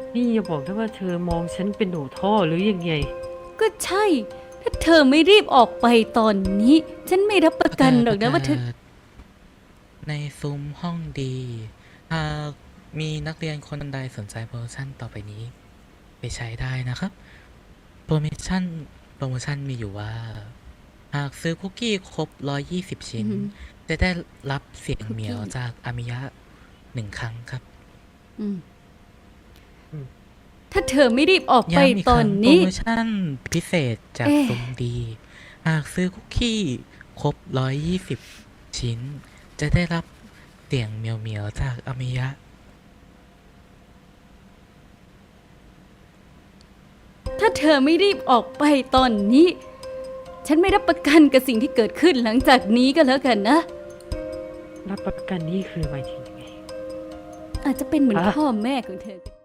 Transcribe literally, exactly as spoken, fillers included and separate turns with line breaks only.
นี่อย่าบอกนะว่าเธอมองฉันเป็นหนูท่อหรือยังไง
ก็ใช่ ถ้าเธอไม่รีบออกไปตอนนี้ ฉันไม่รับประกันหรอกนะว่าเธอ
ในซุ้มห้องดีหากมีนักเรียนคนใดสนใจโปรโมชั่นต่อไปนี้ไปใช้ได้นะครับโปรโมชั่นโปรโมชั่นมีอยู่ว่าหากซื้อคุกกี้ครบหนึ่งร้อยยี่สิบชิ้นจะได้รับเสียงเหมียวจากอามิยะหนึ่งครั้งครับ
ถ้าเธอไม่รีบออกไป
ย้ำอีก
ต
ค
อ
รั้
น
งโปร
นี้
โมชั่นพิเศษจาก
เอ๊ะ
ซุ้มดีหากซื้อคุกกี้ครบหนึ่งร้อยยี่สิบชิ้นจะได้รับเสียงเหมียวเหมียวจากอามิยะ
ถ้าเธอไม่รีบออกไปตอนนี้ ฉันไม่รับประกันกับสิ่งที่เกิดขึ้นหลังจากนี้ก็แล้วกันนะ
รับประกันนี่คือหมายถึงยังไง
อาจจะเป็นเหมือน
อ่ะ
พ่อแม่ของเธอก็ได้